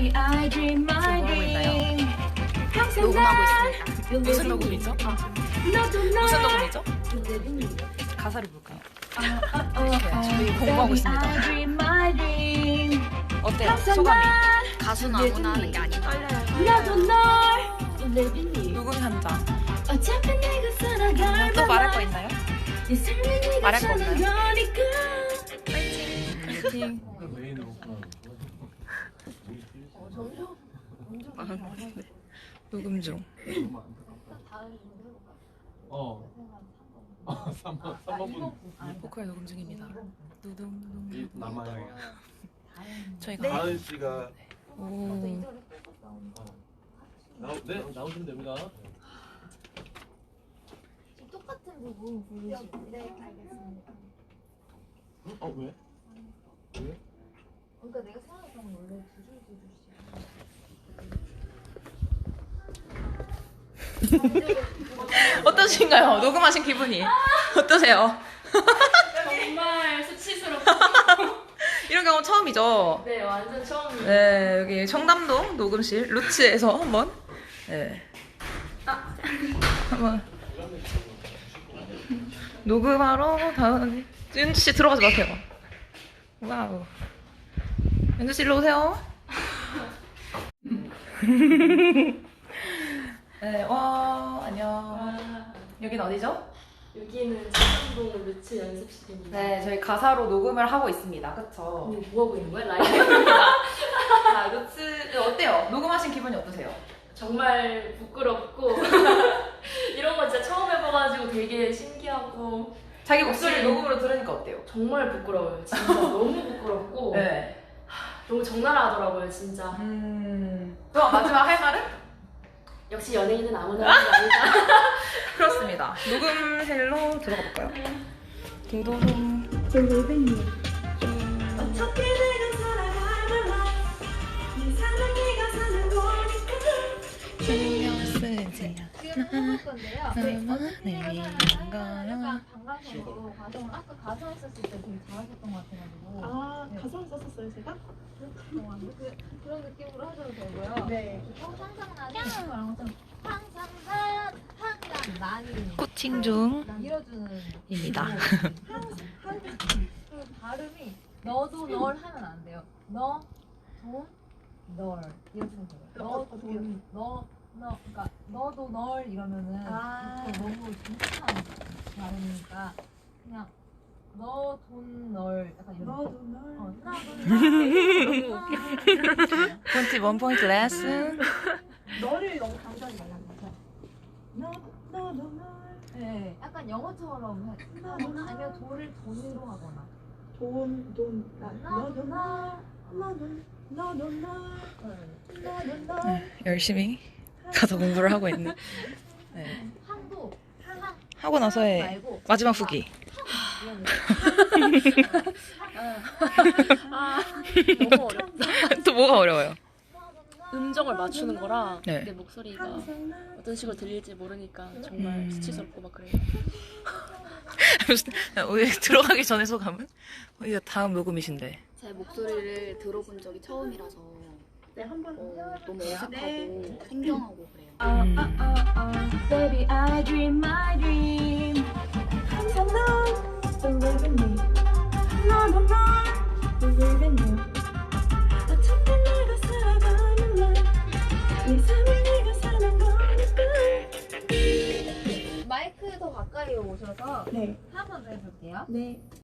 Baby, I dream my dream. 녹음하고 있습니다. 무슨 녹음이죠? 무슨 녹음이죠? 가사를 볼까요? 저희 공부하고 있습니다. 어때요? 소감이? 가수는 아무나 하는 게 아니고 녹음 현장. 또 말할 거 있나요? 말할 거 없나요? 파이팅! 파이팅! 녹음 중. 3번 보컬 녹음 중입니다. 누둥. 남아요. 저희가 다은 씨가 오. 나오시면 됩니다. 똑같은 부분 보여주시면 네, 알겠습니다. 왜? 그러니까 내가 생각했던 건 원래 두 줄씩. 어떠신가요? 녹음하신 기분이 어떠세요? 정말 수치스럽고 이런 경우 처음이죠? 네 완전 처음이에요. 네, 여기 청담동 녹음실 루츠에서 한번 한번 녹음하러 다은 윤주 씨 들어가지 마세요. 와우. 윤주 씨 일로 오세요. 네, 안녕. 여기는 어디죠? 여기는 청담동 루츠 연습실입니다. 네, 저희 가사로 녹음을 하고 있습니다. 그쵸? 언니 뭐 하고 있는 거야? 라이브입니다. 자, 루츠 어때요? 녹음하신 기분이 어떠세요? 정말 부끄럽고 이런 거 진짜 처음 해봐가지고 되게 신기하고 자기 목소리를 녹음으로 들으니까 어때요? 정말 부끄러워요. 진짜 너무 부끄럽고 네. 너무 적나라하더라고요 진짜. 그럼 마지막 할 말은? 역시 연예인은 아무나 하는 게 아니다. 그렇습니다. 녹음실로 들어가 볼까요? 도도동. 어떻게 내가 살아가는 네 삶은 네가 사는 거니까. 지금 해볼 건데요. 약간 방광성으로 과정을 아까 가수했었을 때 되게 잘하셨던 것 같아가지고. 네. 가사를 썼었어요, 제가? 그런 느낌으로 하셔도 되고요. 네. 항상 나는 거랑 좀 항상 난 항상 난이 코칭 중. 밀어주는 입니다. 그리고 발음이 너도 널 하면 안 돼요. 너, 돈, 널 이렇게 해서 돼요. 너, 돈, 너 그러니까 너도 널 이러면은 그거 너무 비슷한 발음이니까 그냥 너, 돈, 널 약간 이런 너도 널. 나도 널 포인트 원 포인트 레슨. 너를 너무 강조하지 말라는 거죠. 너도 널. 네, 약간 영어처럼 아니면 돌을 돈으로 하거나 너도 널. 너도 널. 열심히 가서 공부를 하고 있는. 네. 항도 하고 나서의 말고 마지막 후기. 너무 어렵다. 또 뭐가 어려워요? 음정을 맞추는 거랑 네. 내 목소리가 어떤 식으로 들릴지 모르니까 음. 정말 수치스럽고 막 그래요. 오늘 들어가기 전에 소감은? 이제 다음 녹음이신데. 제 목소리를 들어본 적이 처음이라서 너무 어색하고 생경하고 그래요. Baby, I dream my dream. 항상 넌 believe in me. 너도 널 believe in you. 어떻게 내가 살아가는 네 삶을 네가 사는 거니까. 마이크 더 가까이 오셔서 네. 한 번 더 해볼게요. 네.